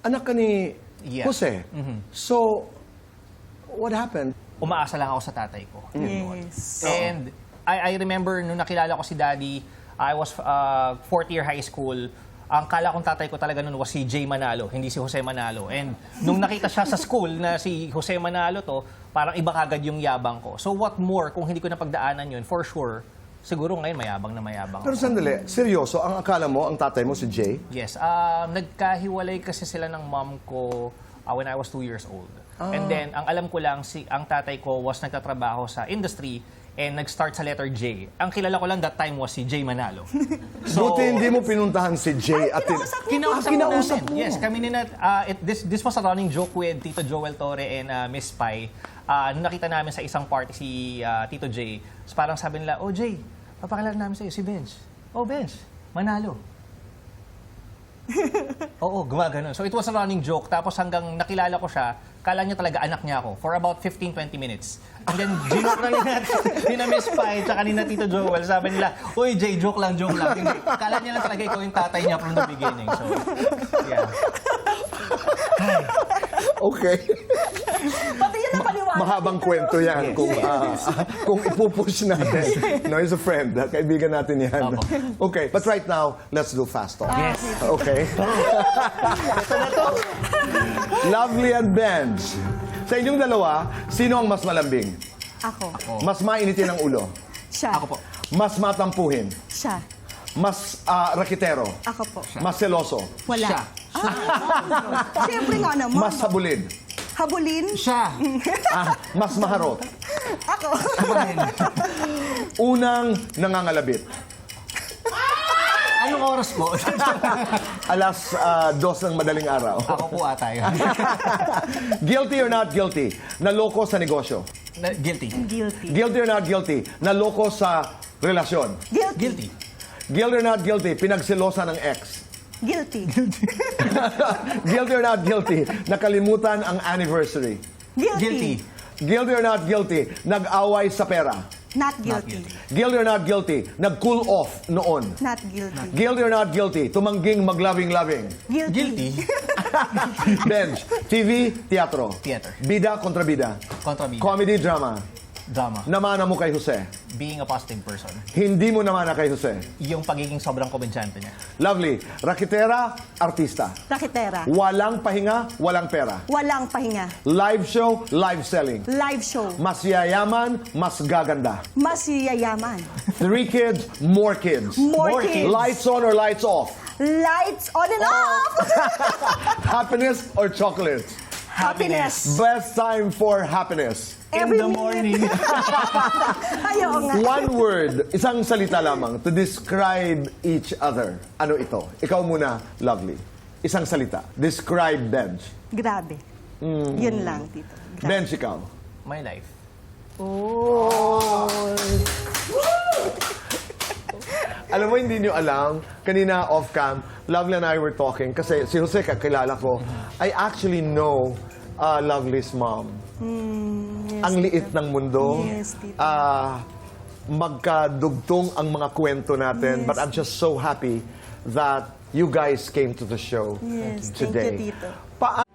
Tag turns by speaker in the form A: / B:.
A: anak ka ni
B: Yeah.
A: Jose. So, what happened?
B: Umaasa lang ako sa tatay ko.
C: Yes.
B: And I remember nung nakilala ko si Daddy, I was fourth year high school. Ang kala kong tatay ko talaga noon was si Jay Manalo, hindi si Jose Manalo. And nung nakita siya sa school na si Jose Manalo to, parang iba kagad yung yabang ko. So what more kung hindi ko napagdaanan yun, for sure, siguro ngayon mayabang na mayabang
A: Pero
B: ako.
A: sandali, seryoso, ang akala mo, ang tatay mo si Jay?
B: Yes. Nagkahiwalay kasi sila ng mom ko when I was 2 years old. And then, ang alam ko lang, ang tatay ko was nagtatrabaho sa industry and nag-start sa letter J. Ang kilala ko lang that time was si Jay Manalo.
A: Buti hindi mo pinuntahan si Jay at
B: Kinausap mo. Yes, kami this was a running joke with Tito Joel Torre and Miss Pai. Nung nakita namin sa isang party si Tito Jay, so parang sabi nila, "Oh Jay, papakilala namin sa'yo si Benz." "Oh Benz, Manalo." Oo, gumagano. So it was a running joke. Tapos hanggang nakilala ko siya, kala niya talaga anak niya ako for about 15-20 minutes. And then, joke lang ni na Miss Pai, tsaka ni na Tito Joel. Sabi nila, "Uy, Jay, joke lang, joke lang." Hindi. Kala niya lang talaga ikaw yung tatay niya from the beginning. So, yeah.
A: Okay.
C: Pati yun ang paniwala.
A: Mahabang kwento yan kung ipupush natin. No, he's a friend. Kaibigan natin yan. Okay, but right now, let's do fast talk.
B: Yes.
A: Okay. Lovely and Benj. Sa inyong dalawa, sino ang mas malambing?
C: Ako.
A: Mas mainitin ang ulo?
C: Siya.
B: Ako po.
A: Mas matampuhin?
C: Siya.
A: Mas rakitero?
C: Ako po.
A: Mas seloso?
C: Wala.
B: Siya.
C: Siyempre nga naman.
A: Mas habulin?
C: Habulin.
B: Siya.
A: Mas maharot?
C: Ako.
A: Unang nangangalabit?
B: Anong oras po?
A: Alas 2 ng madaling araw.
B: Ako po ata yun.
A: Guilty or not guilty? Naloko sa negosyo.
B: Guilty.
C: Guilty.
A: Guilty or not guilty? Naloko sa relasyon.
B: Guilty.
A: Guilty or not guilty? Pinagselosa ng ex.
C: Guilty.
A: Guilty or not guilty? Nakalimutan ang anniversary.
B: Guilty.
A: Guilty or not guilty? Nag-away sa pera.
C: Not guilty.
A: Guilty or not guilty? Nag-cool off noon.
C: Not guilty.
A: Guilty or not guilty? Tumangging magloving-loving.
C: Guilty.
A: Benj, TV, teatro.
B: Theater.
A: Bida kontra bida.
B: Kontra bida.
A: Comedy, drama.
B: Drama.
A: Namana mo kay Jose.
B: Being a positive person.
A: Hindi mo namana kay Jose.
B: Yung pagiging sobrang komensyante niya.
A: Lovely. Rakitera, artista.
C: Rakitera.
A: Walang pahinga, walang pera.
C: Walang pahinga.
A: Live show, live selling.
C: Live show.
A: Mas yayaman, mas gaganda.
C: Mas yayaman.
A: 3 kids, more kids.
C: More kids.
A: Lights on or lights off?
C: Lights on and off.
A: Happiness or chocolates?
C: Happiness.
A: Best time for happiness.
C: Every
B: In the morning.
C: Ayaw nga.
A: One word, isang salita lamang to describe each other. Ano ito? Ikaw muna, Lovely. Isang salita. Describe Benj.
C: Grabe. Yun lang, Tito. Grabe.
A: Benj, ikaw.
B: My life.
C: Oh.
A: Alam mo, hindi nyo alam, kanina off-cam, Lovely and I were talking, kasi si Jose kakilala ko, I actually know Lovely's mom.
C: Yes,
A: Ang liit ng mundo.
C: Yes, Tito.
A: Magkadugtong ang mga kwento natin, but I'm just so happy that you guys came to the show
C: Yes,
A: today.
C: thank you, Tito.